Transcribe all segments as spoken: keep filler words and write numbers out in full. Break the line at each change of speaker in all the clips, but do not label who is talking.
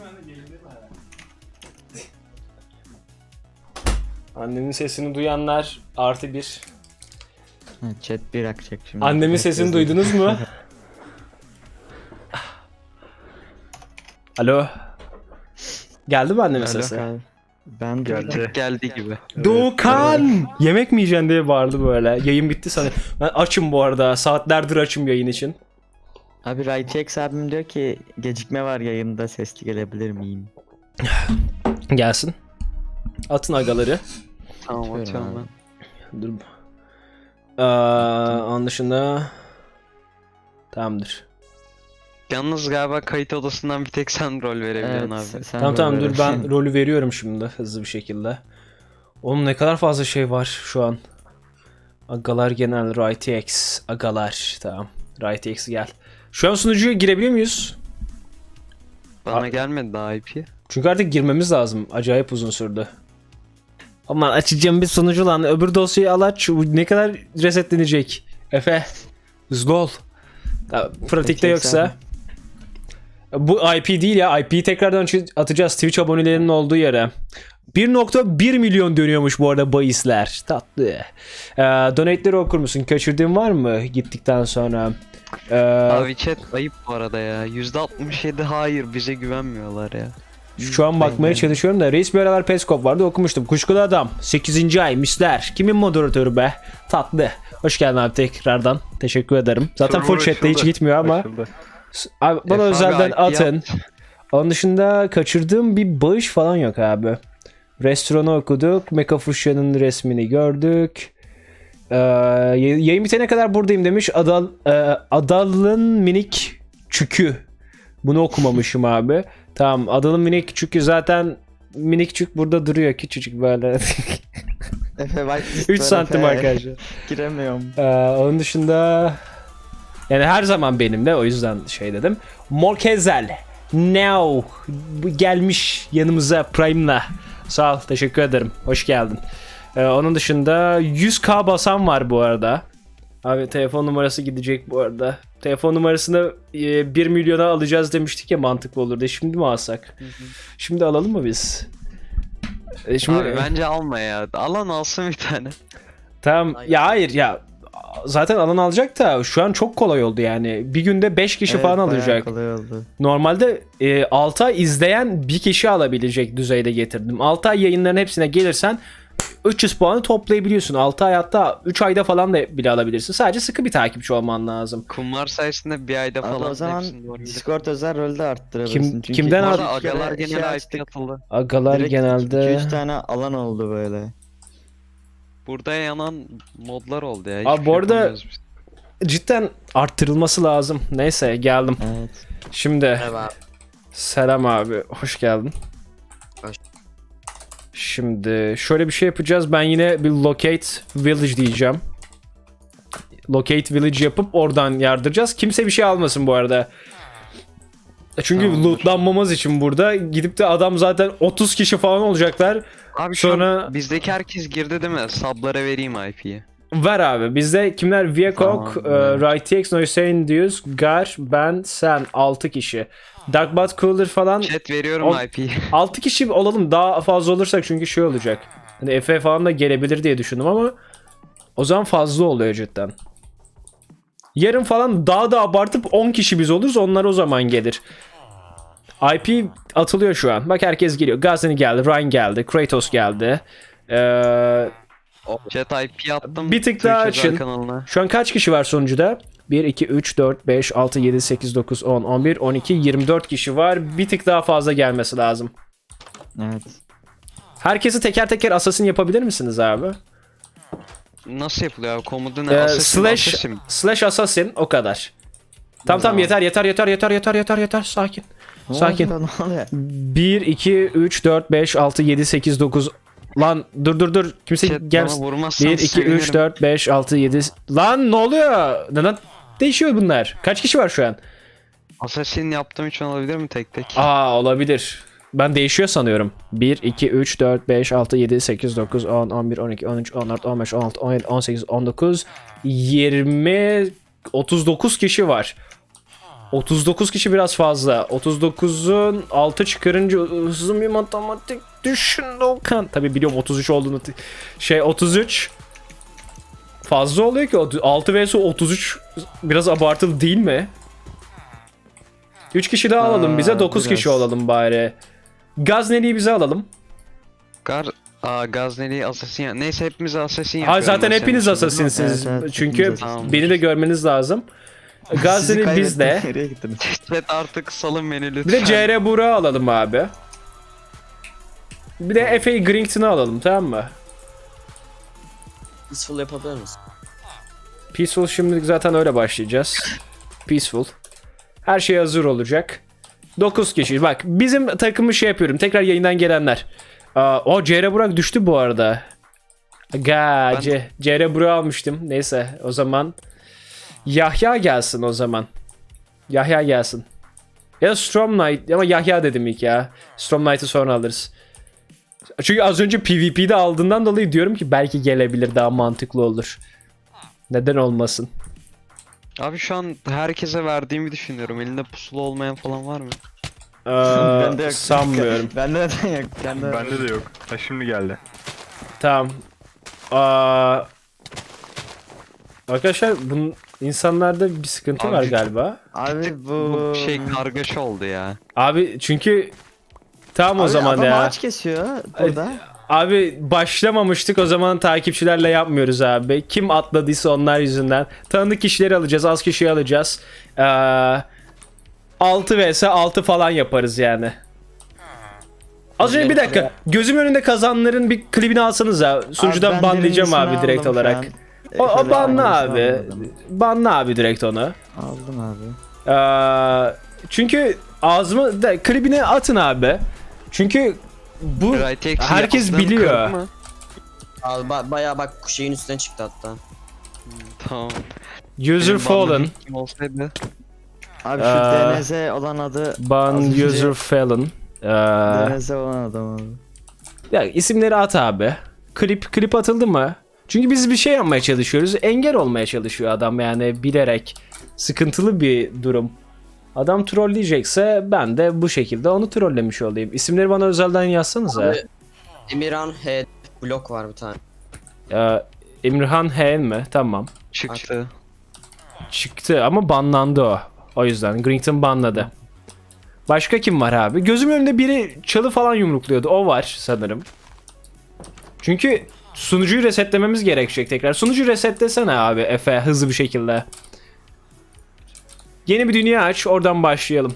Annemin sesini duyanlar artı bir.
Chat bir akacak şimdi.
Annemin sesini duydunuz mu? Alo. Geldi mi annemin sesi?
Ben
Geldi.
geldi gibi.
Doğukan! Yemek mi yiyeceksin diye bağırdı böyle. Yayın bitti sanırım. Ben açım bu arada. Saatlerdir açım yayın için.
Abi Raytex abim diyor ki gecikme var yayında, sesli gelebilir miyim?
Gelsin. Atın agaları.
Tamam atıyorum ben.
Dur. Aa, onun dışında... Tamamdır.
Yalnız galiba kayıt odasından bir tek sen rol verebiliyorsun
Evet,
abi.
sen
Tamam tamam
böyle-
dur ben rolü veriyorum şimdi hızlı bir şekilde. Oğlum ne kadar fazla şey var şu an. Agalar genel Raytex. Agalar tamam. Raytex gel. Şu an sunucuya girebiliyor muyuz?
Bana
A-
gelmedi daha I P.
Çünkü artık girmemiz lazım. Acayip uzun sürdü. Aman açacağım bir sunucu lan. Öbür dosyayı al aç. Ne kadar resetlenecek? Efe. Hızlı ol. Ya, pratikte yoksa. Bu I P değil ya. I P'yi tekrardan atacağız Twitch abonelerinin olduğu yere. bir nokta bir milyon dönüyormuş bu arada bahisler. Tatlı. Ee, donate'leri okur musun? Kaçırdığın var mı gittikten sonra? Ee,
Abi chat ayıp bu arada ya. yüzde altmış yedi hayır, bize güvenmiyorlar ya.
Şu an bakmaya çalışıyorum da reis bir aralar Peskov vardı okumuştum. Kuşkulu adam sekizinci ay misler. Kimin moderatörü be? Tatlı. Hoş geldin abi tekrardan. Teşekkür ederim. Zaten full chatte hiç gitmiyor ama. Abi, bana
Efe
özelden
abi, I P
atın.
yap.
Onun dışında kaçırdığım bir bağış falan yok abi. Restoranı okuduk. Mekafuşya'nın resmini gördük. Ee, yayın bitene kadar buradayım demiş. Adal, e, Adal'ın minik çükü. Bunu okumamışım abi. Tamam, Adal'ın minik çükü zaten minik çük burada duruyor küçücük böyle.
Efe whitelist
üç
var
santim
Efe.
arkadaşlar.
Giremiyorum.
Ee, onun dışında yani her zaman benimle, o yüzden şey dedim. Morkezel Now bu gelmiş yanımıza Prime'la. Sağ ol, teşekkür ederim. Hoş geldin. Ee, onun dışında yüz K basan var bu arada. Abi telefon numarası gidecek bu arada. Telefon numarasını e, bir milyona alacağız demiştik ya, mantıklı olurdu. Şimdi mi alsak? Şimdi alalım mı biz? E, şimdi...
Abi bence alma ya. Alan alsın bir tane.
Tamam. Ya hayır ya. Zaten alan alacak da şu an çok kolay oldu yani. Bir günde beş kişi
Evet,
falan
bayağı
alacak.
kolay oldu.
Normalde e, altı ay izleyen bir kişi alabilecek düzeyde getirdim. altı ay yayınların hepsine gelirsen üç yüz puanı toplayabiliyorsun. altı ay, hatta üç ayda falan da bile alabilirsin. Sadece sıkı bir takipçi olman lazım.
Kumlar sayesinde bir ayda
Abi
falan
o zaman
hepsini doğru gidiyor.
Discord özel rolde arttırabilirsin.
Kim-
Çünkü
kimden
Bu
iki-
arada
üç kere
agalar
şey
genel I P
açtık.
atıldı.
Agalar
Direkt
genelde...
iki üç tane alan oldu böyle.
Burada yanan modlar oldu ya.
Abi
hiçbir
bu
şey
arada-
yapamıyoruz biz.
Cidden arttırılması lazım. Neyse geldim.
Evet.
Şimdi
Merhaba.
selam abi. Hoş geldin.
Hoş.
Şimdi şöyle bir şey yapacağız. Ben yine bir locate village diyeceğim. Locate village yapıp oradan yardıracağız. Kimse bir şey almasın bu arada. Çünkü
Tamamdır.
lootlanmamız için burada gidip de adam zaten otuz kişi falan olacaklar.
Abi şu
Sonra-
an bizdeki herkes girdi değil mi? Sablara vereyim I P'yi.
Ver abi. Bizde kimler? Viacok,
Tamam,
e,
evet.
Raytex, Noysein diyoruz. Gar, ben, sen. altı kişi. Darkbat Cooler falan.
Chat veriyorum
On-
I P'yi.
altı kişi olalım. Daha fazla olursak çünkü şey olacak. Hani Efe falan da gelebilir diye düşündüm ama o zaman fazla oluyor cidden. Yarın falan daha da abartıp on kişi biz oluruz. Onlar o zaman gelir. I P atılıyor şu an. Bak herkes geliyor. Gazini geldi. Ryan geldi. Kratos geldi. Ee,
Chat I P attım.
Bir tık daha
Twitch özel
açın.
kanalına.
Şu an kaç kişi var sonucuda? bir, iki, üç, dört, beş, altı, yedi, sekiz, dokuz, on, on bir, on iki, yirmi dört kişi var. Bir tık daha fazla gelmesi lazım.
Evet.
Herkesi teker teker assassin yapabilir misiniz abi?
Nasıl yapılıyor abi? Komutu ne?
Ee,
Assassin,
slash
assassin.
slash assassin o kadar. Tamam tamam
Tamam.
yeter yeter yeter yeter yeter yeter yeter sakin.
Ne
Sakin.
oluyor, ne oluyor?
bir, iki, üç, dört, beş, altı, yedi, sekiz, dokuz. Lan dur dur dur. Kimse
Chat bana
gelmesin.
vurmazsan
bir, iki, üç,
sevinirim.
dört, beş, altı, yedi. Lan ne oluyor? Neden değişiyor bunlar? Kaç kişi var şu an?
Assassin yaptığım için olabilir mi tek tek?
Aa olabilir. Ben değişiyor sanıyorum. bir, iki, üç, dört, beş, altı, yedi, sekiz, dokuz, on, on bir, on iki, on üç, on dört, on beş, on altı, on yedi, on sekiz, on dokuz, yirmi, otuz dokuz kişi var. otuz dokuz kişi biraz fazla. otuz dokuzun altı çıkarınca uzun bir matematik düşün Okan. Tabi biliyorum otuz üç olduğunu. Şey otuz üç fazla oluyor ki. altı vs otuz üç biraz abartılı değil mi? üç kişi daha alalım
Aa,
bize. dokuz
biraz.
kişi olalım bari. Gazneli'yi bize alalım.
Gar Aa Gazneli Assassin ya. Neyse hepimiz Assassin
Aa,
yapıyorum.
zaten
ben senin
hepiniz
için.
asasinsiniz.
Evet, evet,
Çünkü
hepimiz
asasins.
beni de görmeniz lazım. Gazneli
Sizi
bizde.
kaybettim. Nereye gittiniz?
Evet artık salın beni lütfen.
Bir de C R Burak'ı alalım abi. Bir de F A Grington'ı alalım, tamam mı?
Peaceful yapabilir misin?
Peaceful şimdilik zaten öyle başlayacağız. Peaceful. Her şey hazır olacak. dokuz kişi. Bak bizim takımı şey yapıyorum. Tekrar yayından gelenler. Aa, o C R Burak düştü bu arada. Ga,
Ben-
C- C R Burak'ı almıştım. Neyse o zaman Yahya gelsin o zaman. Yahya gelsin. Ya da Storm Knight ama Yahya dedim ilk ya. Storm Knight'ı sonra alırız. Çünkü az önce PvP'de aldığından dolayı diyorum ki belki gelebilir, daha mantıklı olur. Neden olmasın?
Abi şu an herkese verdiğimi düşünüyorum. Elinde pusula olmayan falan var mı?
Ee,
Bende yok.
sanmıyorum.
Bende neden yok? Bende
Bende de yok. Ha şimdi geldi.
Tamam. Aa, arkadaşlar bunun insanlarda bir sıkıntı
Abi
var
çok-
galiba.
Abi bu...
Bu şey kargaşa oldu ya.
Abi çünkü tamam o
Abi
zaman
adam
ya.
ağaç kesiyor burada.
Abi başlamamıştık, o zaman takipçilerle yapmıyoruz abi. Kim atladıysa onlar yüzünden. Tanıdık kişileri alacağız, az kişiyi alacağız. Ee, altı vs altı falan yaparız yani. Az önce bir dakika. Gözüm önünde kazanların bir klibini alsanız ya. Sunucudan
Abi ben
banlayacağım abi
birincisini
direkt
aldım şu
olarak.
an.
O, o
Şöyle
banla
aynısını
abi.
aldım.
Banla abi direkt onu.
Aldım abi.
Ee, çünkü ağzıma da klibini atın abi. Çünkü bu
Right X'i
herkes
yaptığım
biliyor.
kırık mı?
Abi ba- bayağı bak şeyin üstüne çıktı hatta.
Tamam.
user
Benim
fallen.
banladığım kim olsaydı.
Abi şu
Aa,
D N Z olan adı...
Ban
az önce
user fallen. Ee,
D N Z olan adam abi.
ya isimleri at abi. Klip klip atıldı mı? Çünkü biz bir şey yapmaya çalışıyoruz. Engel olmaya çalışıyor adam yani bilerek. Sıkıntılı bir durum. Adam trolleyecekse ben de bu şekilde onu trollemiş olayım. İsimleri bana özelden yazsanıza.
Abi, Emirhan H blok var bir tane.
Ee, Emirhan Hen mi? Tamam.
Çıktı.
Çıktı ama banlandı o. O yüzden Grington banladı. Başka kim var abi? Gözümün önünde biri çalı falan yumrukluyordu. O var sanırım. Çünkü sunucuyu resetlememiz gerekecek tekrar. Sunucuyu resetlesene abi Efe, hızlı bir şekilde. Yeni bir dünya aç, oradan başlayalım.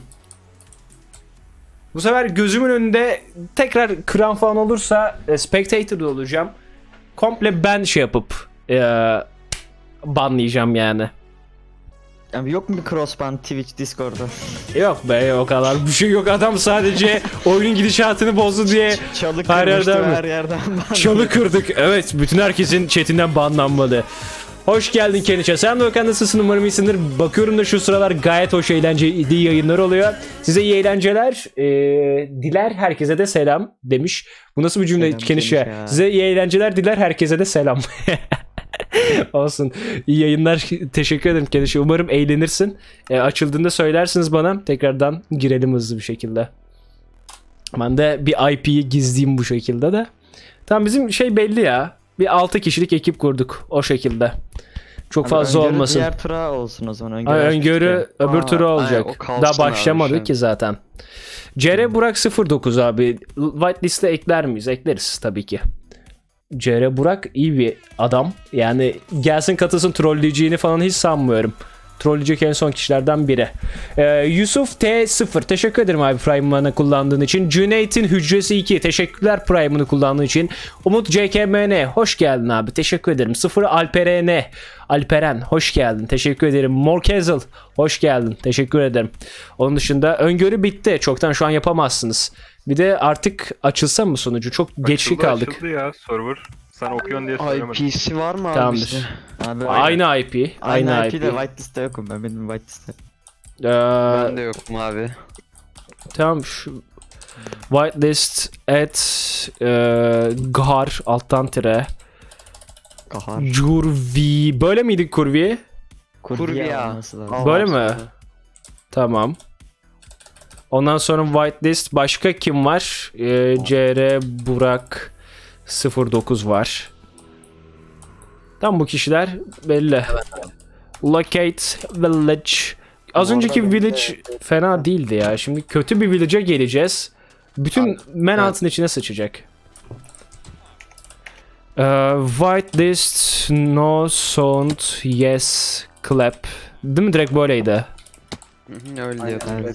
Bu sefer gözümün önünde tekrar kıran falan olursa e, spectator'da olacağım. Komple ben şey yapıp e, banlayacağım yani.
Abi yok mu bir crossband Twitch Discord'da?
Yok be, o kadar bir şey yok. Adam sadece oyunun gidişatını bozdu diye
Çalı
Her
kırmıştı
yerden mi?
her yerden.
çalı kırdık. Evet, bütün herkesin chatinden banlanmadı. Hoş geldin Keniçe. Sen de Okan, nasılsın? Umarım iyisindir. Bakıyorum da şu sıralar gayet hoş, eğlenceli yayınlar oluyor. Size iyi eğlenceler. Ee, diler herkese de selam demiş. Bu nasıl bir cümle
Selam
Keniçe?
Keniçe.
Size iyi eğlenceler, diler herkese de selam. Olsun. İyi yayınlar. Teşekkür ederim Keniçe. Umarım eğlenirsin. Ee, açıldığında söylersiniz bana. Tekrardan girelim hızlı bir şekilde. Ben de bir I P'yi gizleyeyim bu şekilde de. Tamam, bizim şey belli ya. Bir altı kişilik ekip kurduk o şekilde. Çok
Abi
fazla
öngörü
olmasın.
Diğer tura olsun o zaman. Öngörü,
Ay,
açmıştık
öngörü
ya.
öbür
Aa,
tura olacak.
ay, o kalsın
Daha
abi
başlamadık
şu an.
ki zaten. C R Burak sıfır dokuz abi. Whitelist'e ekler miyiz? Ekleriz tabii ki. C R Burak iyi bir adam. Yani gelsin katılsın, trolleyeceğini falan hiç sanmıyorum. Trolleyecek en son kişilerden biri. Ee, Yusuf T sıfır. Teşekkür ederim abi Prime'ını kullandığın için. Cüneyt'in Hücresi iki. Teşekkürler Prime'ını kullandığın için. Umut C K M N. Hoş geldin abi. Teşekkür ederim. sıfır Alperen. Alperen. Hoş geldin. Teşekkür ederim. Morkezel. Hoş geldin. Teşekkür ederim. Onun dışında öngörü bitti. Çoktan şu an yapamazsınız. Bir de artık açılsa mı sunucu? Çok geçli
Açıldı,
kaldık.
Açıldı ya server. Sen okuyorsun diye söylemedim.
I P'si var mı abi
Tamamdır.
bizde?
Abi,
Aynı I P. Aynı,
Aynı
I P.
I P'de whitelist'te yokum ben. Benim whitelist'te.
Ee,
Ben de yokum abi.
Tamam, şu whitelist at e, gar alttan tire
Kahar.
curvi, böyle miydi kurvi?
Kurviya.
olması lazım.
Al
Böyle
abi
mi?
sana.
Tamam. Ondan sonra whitelist. Başka kim var? Ee, C R Burak sıfır dokuz var. Tam bu kişiler belli. Locate village. Az önceki village fena değildi ya. Şimdi kötü bir village'a geleceğiz. Bütün Manhattan içine sıçacak. Ee, whitelist, no sound, yes, clap. Değil mi? Direkt böyleydi.
Hı hı, Öyle diyordu.
Evet.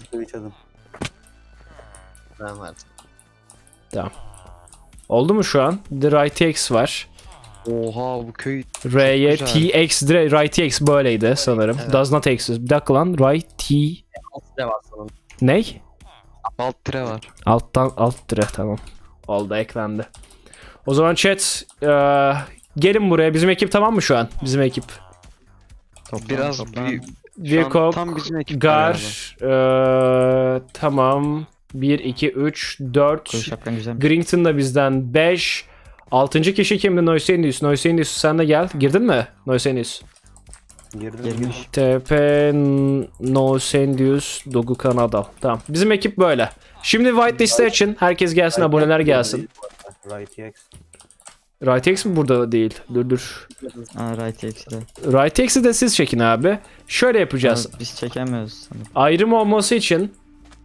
Ben vardım.
Oldu mu şu an? The right X var.
Oha bu köy
R'ye
güzel.
T X, direkt right X böyleydi sanırım.
Evet.
Does not exist. Bir dakika lan. Right T...
Altı da var sanırım.
Ney?
alt tire var.
Alttan alt dire, tamam. Oldu, eklendi. O zaman chat eee, gelin buraya. Bizim ekip tamam mı şu an? Bizim ekip.
Toplan,
Biraz
toplan.
büyük. Şu an
Virkok,
tam bizim ekip
Gar,
galiba.
eee, tamam. bir, iki, üç, dört.
Koyu şapkan güzel.
Grington da bizden beş. altıncı kişi kimdi? Noisenius. Noisenius sen de gel. Girdin mi? Noisenius.
Girmiş.
T P Noisenius Dogu Kanada. Tamam. Bizim ekip böyle. Şimdi whitelist'e için herkes gelsin, aboneler gelsin. RightX mi burada değil? Dur dur.
Aa right X'de.
RightX'i de siz çekin abi. Şöyle yapacağız.
Aa, Biz çekemiyoruz sanırım.
Ayrım olması için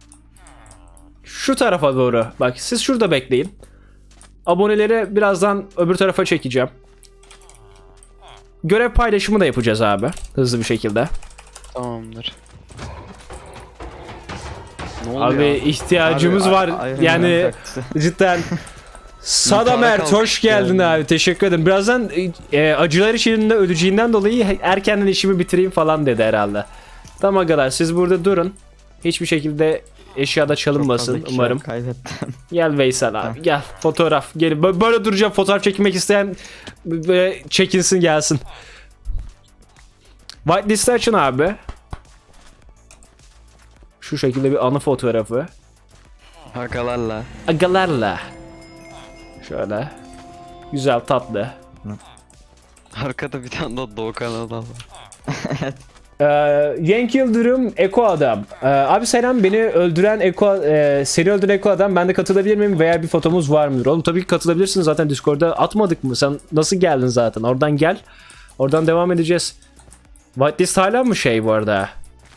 şu tarafa doğru. Bak siz şurada bekleyin. Aboneleri birazdan öbür tarafa çekeceğim. Görev paylaşımı da yapacağız abi. Hızlı bir şekilde.
Tamamdır. Ne oluyor
Abi ihtiyacımız
Abi,
var.
a- Iron
Yani
Man taktisi.
cidden. Sadamer
kalkış
hoş geldin
geldi.
abi. Teşekkür ederim. Birazdan e, acılar içinde öleceğinden dolayı erkenden işimi bitireyim falan dedi herhalde. Tamam arkadaşlar siz burada durun. Hiçbir şekilde eşyada
Çok
çalınmasın
fazla kişi
umarım.
kaybettim.
Gel Veysel abi gel fotoğraf. Gel Bö- böyle duracağım, fotoğraf çekmek isteyen böyle çekinsin gelsin. Whitelist'i açın abi. Şu şekilde bir anı fotoğrafı.
Hakalarla.
Agalarla. Şöyle. Güzel, tatlı.
Arkada bir tane daha Doğukan adam var.
Ee, Yank Yıldırım Eko Adam. Ee, abi selam, beni öldüren Eko e, seni öldüren Eko Adam, ben de katılabilir miyim veya bir fotomuz var mıdır? Oğlum tabii ki katılabilirsin, zaten Discord'da atmadık mı? Sen nasıl geldin zaten? Oradan gel. Oradan devam edeceğiz. Whitelist hala mı şey bu arada?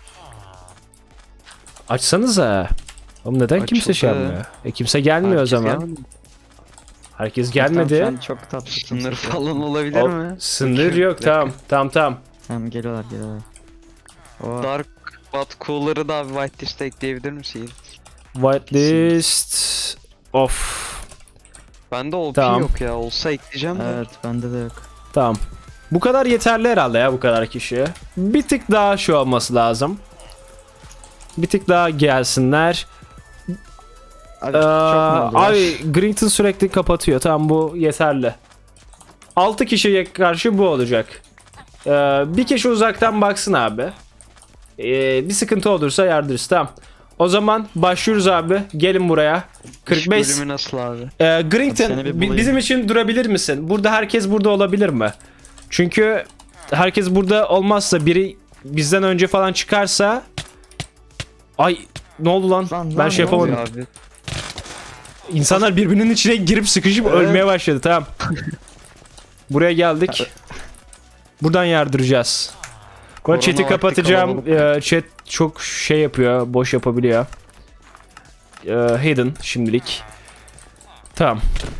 Açsanıza. Oğlum neden kimse şey
Açıldı.
yapmıyor? E kimse gelmiyor
Herkes
o zaman.
gelmedi.
Herkes
Tamam,
gelmedi.
sen çok tatlısın.
Sınır falan olabilir
O-
mi?
Sınır
Bakıyorum,
yok,
bir dakika.
tamam tamam tamam.
Tamam geliyorlar geliyorlar. O
Dark Bat Cooler'ı da abi whitelist'e ekleyebilir misin?
Whitelist of.
Bende O P
Tamam.
yok ya. Olsa ekleyeceğim de.
evet bende de yok.
Tamam. Bu kadar yeterli herhalde ya, bu kadar kişi. Bir tık daha şu olması lazım. Bir tık daha gelsinler.
Abi
Ee,
çok mu oldu?
abi Grington sürekli kapatıyor. Tamam, bu yeterli. altı kişiye karşı bu olacak. Ee, bir kişi uzaktan baksın abi. Ee, bir sıkıntı olursa yardırırız. Tamam. O zaman başlıyoruz abi. Gelin buraya. kırk beş.
İş bölümü nasıl abi?
Ee, Grington
Seni bir
bi-
bulayım.
bizim için durabilir misin? Burada herkes burada olabilir mi? Çünkü herkes burada olmazsa, biri bizden önce falan çıkarsa, ay ne oldu lan?
Lan,
ben
lan,
şey
ne
yapamadım.
Oluyor abi.
İnsanlar birbirinin içine girip sıkışıp
Evet.
ölmeye başladı. Tamam. Buraya geldik. Buradan yardıracağız. Bu
Korona
chat'i
vakti
kapatacağım.
kalabalık.
Ee, chat çok şey yapıyor, boş yapabiliyor. Ee, hidden şimdilik. Tamam.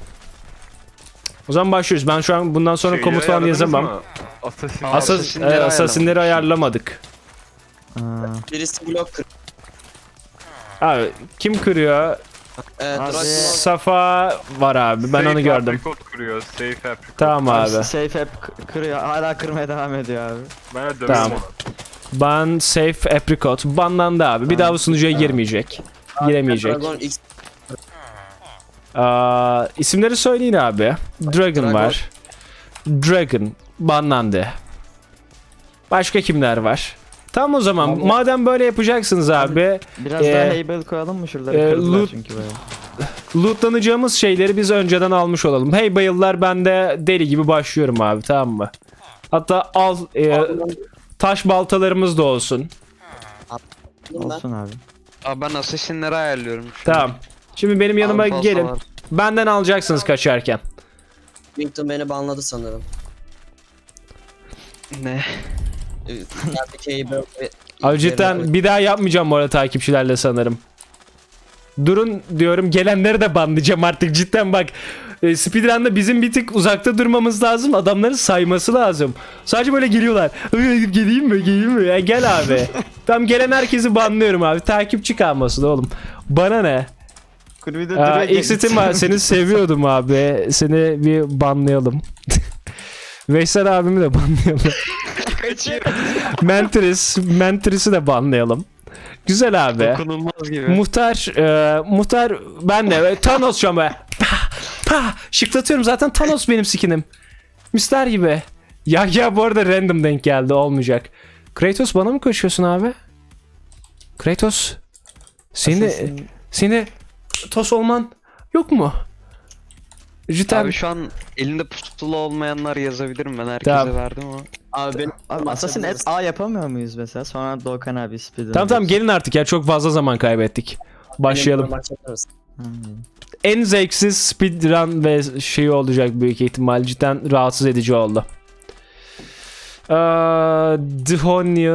O zaman başlıyoruz. Ben şu an bundan sonra
Şeyi
komut falan
ayarladınız
yazamam.
mı? Assassin.
Aa,
Asas,
Assassin'leri
e, Assassin'leri ayarlamadık.
Aa,
Birisi blok kır.
Abi kim kırıyor?
Ee,
Abi.
Dragon
Safa var abi. Ben
Safe
onu gördüm.
apricot kuruyor. Safe apricot.
Tamam abi.
Safe hep k- kırıyor. Hala kırmaya devam ediyor abi.
Ben de dövüyorum
Tamam.
onu.
Ban safe apricot banlandı abi. Bir
Tamam.
daha bu sunucuya girmeyecek. Giremeyecek.
Dragon X.
Aa, isimleri söyleyin abi. Dragon,
Dragon.
var. Dragon banlandı. Başka kimler var? Tamam o zaman.
Abi-
Madem böyle yapacaksınız abi,
Biraz
Ee,
daha Haybel koyalım mı şuraları?
e,
Kırdılar
loot-
çünkü böyle.
lootlanacağımız şeyleri biz önceden almış olalım. Hey bayıllar, ben de deli gibi başlıyorum abi, tamam mı? Hatta al e, taş baltalarımız da olsun.
Ben.
Olsun abi.
Abi ben assassinleri ayarlıyorum. şu an.
Tamam. Şimdi benim yanıma
Abi fazla
gelin.
var.
Benden alacaksınız kaçarken.
Wington beni banladı sanırım.
Ne?
Ee, Yerdeki Heybel ve-
Abi cidden bir daha yapmayacağım bu arada takipçilerle sanırım. Durun diyorum, gelenleri de banlayacağım artık cidden bak. E, speedrun'da bizim bir tık uzakta durmamız lazım. Adamların sayması lazım. Sadece böyle geliyorlar. "Ay, geleyim mi geleyim mi? Ya gel abi. Tam gelen herkesi banlıyorum abi. Takipçi kalmasın oğlum. Bana ne?
Kulübede
Aa, Exit'im var. Seni seviyordum abi. Seni bir banlayalım. Veysel abimi de banlayalım. Menteris. Menteris'i de banlayalım. Güzel abi.
Dokunulmaz gibi.
Muhtar, e, muhtar ben de e, Thanos şu an be. Pah, pah, şıklatıyorum zaten Thanos benim skinim. Mister gibi. Ya ya bu arada random denk geldi, olmayacak. Kratos bana mı koşuyorsun abi? Kratos. Seni
Assassin-
seni tos olman yok mu? Cidden.
Abi şu an elinde pusula olmayanlar yazabilirim, ben herkese
Tamam.
verdim ama.
Abi benim
Abi Assassin et A yapamıyor muyuz mesela? Sonra Doğukan abi speedrun.
Tamam tamam gelin artık ya, çok fazla zaman kaybettik. Başlayalım.
Benim maç yapar mısın?
En zevksiz speedrun ve şey olacak büyük ihtimal. Cidden rahatsız edici oldu. Aa, Dhihonya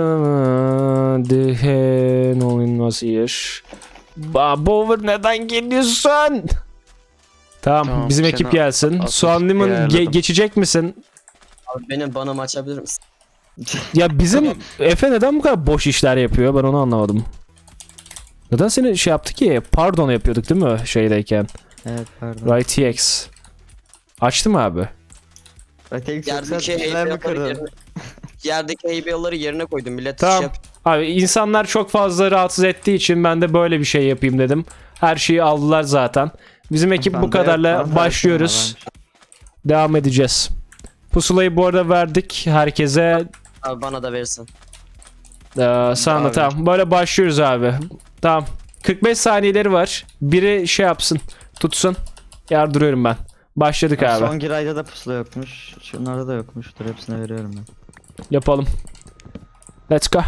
Dhihen oyunmaz yer. Bover neden geliyorsun? Tamam,
Tamam,
bizim
seni
ekip gelsin.
atmış
Soğan Limon ge-
ayarladım.
geçecek misin?
Abi benim bana maç yapabilir misin?
Ya bizim Efe neden bu kadar boş işler yapıyor? Ben onu anlamadım. Neden seni şey yaptı ki? Pardon yapıyorduk değil mi şeydeyken?
Evet pardon.
Right T X. Açtı mı abi?
Öteki
Yerdeki
yoksa neler mi
Heybel'ları
kırdın?
yerine, yerdeki Heybel'ları yerine koydum. Millet
Tamam.
şey yap.
Abi insanlar çok fazla rahatsız ettiği için ben de böyle bir şey yapayım dedim. Her şeyi aldılar zaten. Bizim ekip bu
Bende
kadarla
yok, bende
başlıyoruz.
yok.
Devam edeceğiz. Pusulayı bu arada verdik herkese.
Abi bana da verirsin.
Ee, sana da
Abi.
tamam. Böyle başlıyoruz abi. Tamam. kırk beş saniyeleri var. Biri şey yapsın. Tutsun. Yardırıyorum ben. Başladık
Ben
abi.
Son girayda da pusula yokmuş. Şunlarda da yokmuş. Dur hepsine veriyorum ben.
Yapalım. Let's go.